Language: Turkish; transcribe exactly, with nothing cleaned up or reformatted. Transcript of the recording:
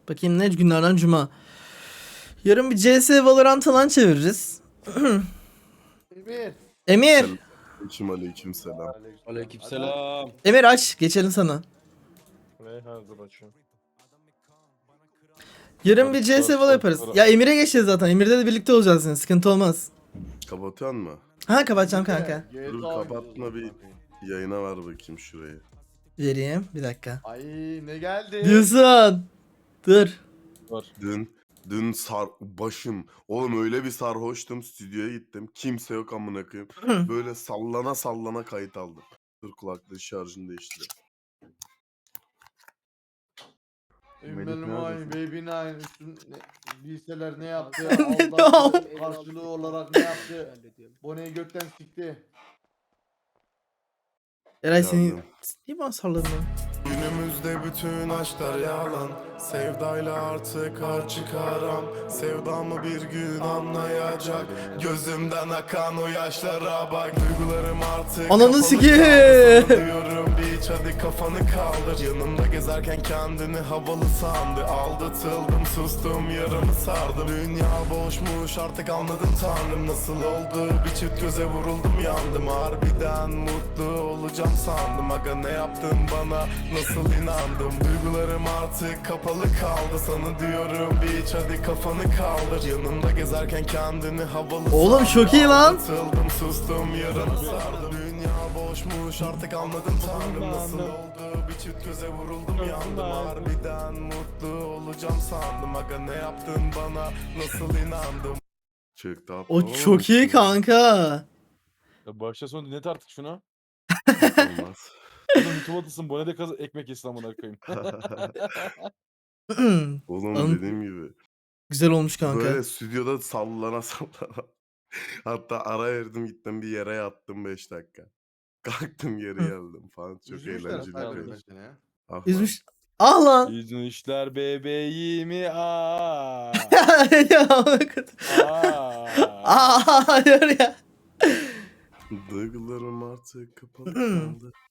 Bakayım ne günlerden cuma. Yarın bir C S Valorant falan çeviririz. Emir. Emir. Aleyküm aleyküm selam. Aleykümselam. Emir aç. Geçelim sana. Ne hazır açıyorum. Yarın bir C S Valorant yaparız. Ya Emir'e geçeceğiz zaten. Emir'de de birlikte olacağız yine. Sıkıntı olmaz. Kapatıyor mu? Ha kapatacağım kanka. Dur kapatma bir yayına ver bakayım şurayı. Vereyim. Bir dakika. Ay ne geldi? Diyorsun. Dur. Var. Dün dün sar başım. Oğlum öyle bir sarhoştum, stüdyoya gittim. Kimse yok amına koyayım. Böyle sallana sallana kayıt aldım. Dur kulaklığı şarjını değiştir. Benim ay baby nine üstün ne- liseler ne yaptı? Ne Aldattı. Karşılığı olarak ne yaptı? Boneyi gökten sikti. Eray seni... Yardım. Niye bana salladın lan? Günümüzde bütün aşklar yalan. Sevdayla artık har çıkaram. Sevdamı bir gün anlayacak. Gözümden akan o yaşlara bak. Duygularım artık Ananı kapalı sikeyim. kaldı. Sana diyorum bir iç hadi kafanı kaldır. Yanımda gezerken kendini havalı sandı. Aldatıldım sustum yaramı sardım. Dünya boşmuş artık anladım tanrım. Nasıl oldu bir çift göze vuruldum yandım. Harbiden mutlu olacağım sandım. Aga ne yaptın bana nasıl inandım. Duygularım artık kapalı kaldı. Sana diyorum bir iç hadi kafanı kaldır. Yanımda gezerken kendini havalı Oğlum sandım. çok iyi lan. Aldatıldım sustum yaramı sardım. Dünya boşmuş artık anladım tanrım. Nasıl oldu bir çift göze vuruldum yandım. Harbiden mutlu olacağım sandım. Aga ne yaptın bana nasıl inandım. Çıktı atla. O çok iyi kanka. Ya başta sonu dinlet artık şunu. Olmaz. Oğlum YouTube atılsın bana de kaz ekmek yesin amına koyayım. Oğlum Oğlum, dediğim gibi. güzel olmuş kanka. Böyle stüdyoda sallana sallana. Hatta ara verdim gittim bir yere yattım beş dakika. Kalktım geri geldim falan. Çok Üzmüşler eğlenceli hatta bir böyle kayıt. seni ya. Ah lan. Üzmüş. Ah lan. İzmişler bebeğimi aa. Ya bakın. Aa. Aa hayır ya. Duygularım artık kapalı kaldı.